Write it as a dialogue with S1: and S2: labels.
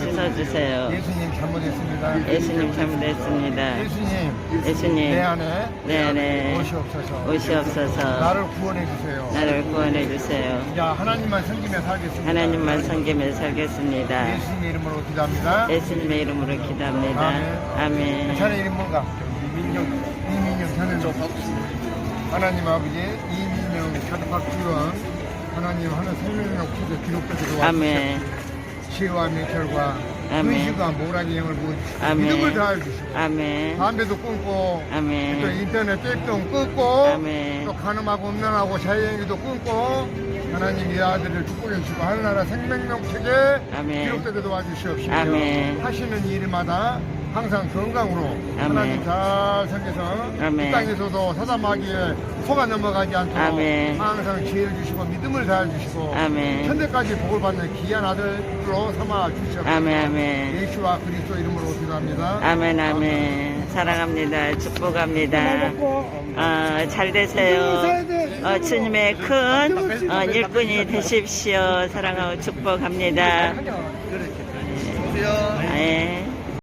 S1: 씻어주세요.
S2: 예수님 잘못했습니다.
S1: 예수님 잘못했습니다.
S2: 예수님 내
S1: 내
S2: 안에
S1: 안에
S2: 오시옵소서.
S1: 오시옵소서.
S2: 나를 구원해 주세요.
S1: 나를 구원해 주세요.
S2: 자, 하나님만 섬기며 살겠습니다.
S1: 하나님만 섬기며 살겠습니다.
S2: 예수님의 이름으로 기도합니다.
S1: 예수님의 이름으로 기도합니다. 아멘.
S2: 자네 이름 뭔가? 이민영 자네 하나님 아버지 이민영 차도박지원 하나님 하나 생명력 기도 기록되도록
S1: 아멘.
S2: 치유와 명철과
S1: 아멘.
S2: 의식과 모라기 영을 부어주시고
S1: 아멘.
S2: 믿음을 다해주시고
S1: 아멘.
S2: 담배도 끊고
S1: 아멘.
S2: 또 인터넷 땡땡 끊고
S1: 아멘.
S2: 또 간음하고 음란하고 자유행위도 끊고 하나님 이 아들을 축복해 주시고 하늘나라 생명력 체계
S1: 아멘.
S2: 기록되게 도와주시옵시며
S1: 아멘.
S2: 하시는 일마다 항상 건강으로
S1: 아멘.
S2: 하나님 잘 섬겨서
S1: 아멘.
S2: 이 땅에서도 사자마귀에 속아 넘어가지 않도록
S1: 아멘.
S2: 항상 지혜를 주시고 믿음을 다해주시고
S1: 아멘.
S2: 천대까지 복을 받는 귀한 아들로 삼아 주시옵소서.
S1: 아멘. 아멘.
S2: 예수와 그리스도 이름으로 기도합니다.
S1: 아멘. 아멘. 사랑합니다. 축복합니다. 잘 되세요. 주님의 큰 일꾼이 되십시오. 사랑하고 축복합니다. 네.